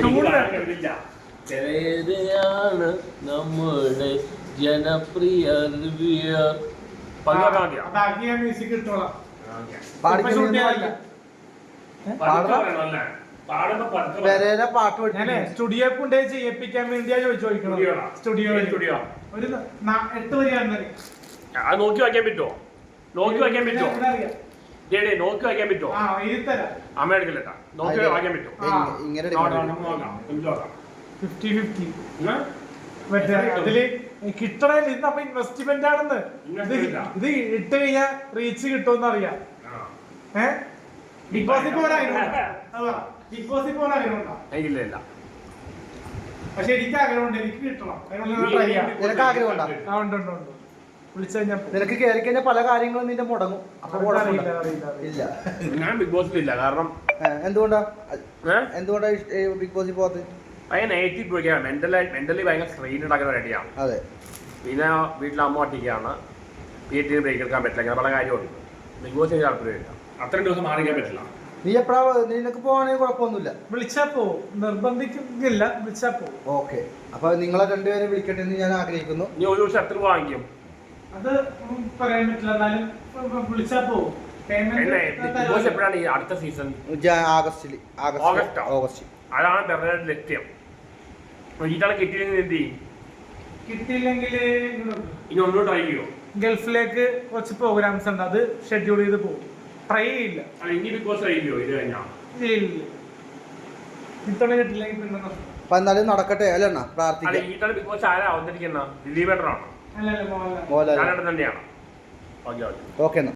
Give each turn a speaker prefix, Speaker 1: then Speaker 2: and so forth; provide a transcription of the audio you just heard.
Speaker 1: ചിലയാണ് നമ്മുടെ ജനപ്രിയ
Speaker 2: സ്റ്റുഡിയോ കൊണ്ടേ ചെയ്യിപ്പിക്കാൻ വേണ്ടിയാ ചോദിക്കണം. സ്റ്റുഡിയോ ഒരു 8 വരെയാണ്
Speaker 1: അത് നോക്കി വായിക്കാൻ പറ്റുമോ? നോക്കി വായിക്കാൻ പറ്റുമോ? നോക്കി വായിക്കാൻ പറ്റുമോ? അമ്മ എടുക്കില്ലട്ടാ. നോക്കി വായിക്കാൻ പറ്റുമോ?
Speaker 2: 50-50 അതില് കിട്ടണേല് ഇന്ന് അപ്പൊ ഇൻവെസ്റ്റ്മെന്റ് ആണെന്ന്. ഇത് ഇട്ട് കഴിഞ്ഞാൽ റീച്ച് കിട്ടുമെന്ന് അറിയാം. ബിഗ് ബോസിൽ പോകാനാഗ്രഹമുണ്ടോ?
Speaker 1: എനിക്കില്ല.
Speaker 2: പക്ഷെ എനിക്ക് ആഗ്രഹമുണ്ട്. എനിക്ക് കിട്ടണം.
Speaker 3: നിനക്ക് ആഗ്രഹമുണ്ടോ?
Speaker 2: വിളിച്ചു കഴിഞ്ഞാൽ
Speaker 3: നിനക്ക് കയറി കഴിഞ്ഞാൽ പല കാര്യങ്ങളും നിന്റെ മുടങ്ങും.
Speaker 2: ഇല്ല,
Speaker 1: ഞാൻ ബിഗ് ബോസിലില്ല. കാരണം
Speaker 3: എന്തുകൊണ്ടാ ബിഗ് ബോസിൽ പോകാത്തത്?
Speaker 1: ഭയങ്കര നെഗറ്റീവ് പോയിക്കാണ്. മെന്റലി ഭയങ്കര സ്ട്രെയിൻ ഉണ്ടാക്കുന്ന റെഡിയാണ്.
Speaker 3: അതെ.
Speaker 1: പിന്നെ വീട്ടിൽ അമ്മ ഒറ്റയ്ക്കാണ്. വീട്ടിൽ ബ്രേക്ക് എടുക്കാൻ പറ്റില്ല. അങ്ങനെ പല കാര്യമുണ്ട്. ബിഗ് ബോസിന് താല്പര്യമില്ല. അത്രയും ദിവസം മാറിക്കാൻ പറ്റില്ല.
Speaker 3: നീ എപ്പോഴാ നിനക്ക് പോവാണെങ്കിൽ കുഴപ്പമൊന്നുമില്ല.
Speaker 2: വിളിച്ചാ പോവും. നിർബന്ധിക്കുന്നില്ല. വിളിച്ചാ പോവും.
Speaker 3: ഓക്കെ. അപ്പൊ നിങ്ങളെ രണ്ടുപേരെ വിളിക്കട്ടെ എന്ന് ഞാൻ ആഗ്രഹിക്കുന്നു.
Speaker 1: നീ ഒരു ദിവസം എത്ര വാങ്ങിക്കും?
Speaker 2: അത് പറയാൻ പറ്റില്ല. എന്നാലും വിളിച്ചാ പോവും.
Speaker 1: ബിഗ് ബോസ് എപ്പോഴാണ് ഈ അടുത്ത സീസൺ?
Speaker 3: ഓഗസ്റ്റ്.
Speaker 1: അതാണ് തെരഞ്ഞെടുപ്പ് ലക്ഷ്യം. ഇതാണ് കിട്ടിയില്ലെങ്കിൽ എന്ത് ചെയ്യും?
Speaker 2: കിട്ടിയില്ലെങ്കിൽ
Speaker 1: ഇനി ഒന്നും ട്രൈ ചെയ്യോ?
Speaker 2: ഗൾഫിലേക്ക് കുറച്ച് പ്രോഗ്രാംസ് ഉണ്ട്. അത് ഷെഡ്യൂൾ ചെയ്ത് പോകും. ട്രൈ ചെയ്യില്ല.
Speaker 1: ഇനി ബിഗ് ബോസ് ട്രൈ ചെയ്യോ? ഇത് കഴിഞ്ഞാൽ
Speaker 2: ഇത്തവണ കിട്ടില്ലെങ്കിൽ പിന്നെ
Speaker 3: അപ്പൊ എന്നാലും നടക്കട്ടെ അല്ലേ? പ്രാർത്ഥിക്കാം.
Speaker 1: ഇതാണ് ബിഗ് ബോസ് ആരാ അവതരിക്കുന്ന? ദിലീപേട്ടനാണോ?
Speaker 2: അല്ലല്ല,
Speaker 1: മോഹൻലാൽ തന്നെയാണ്. Okay
Speaker 3: okay.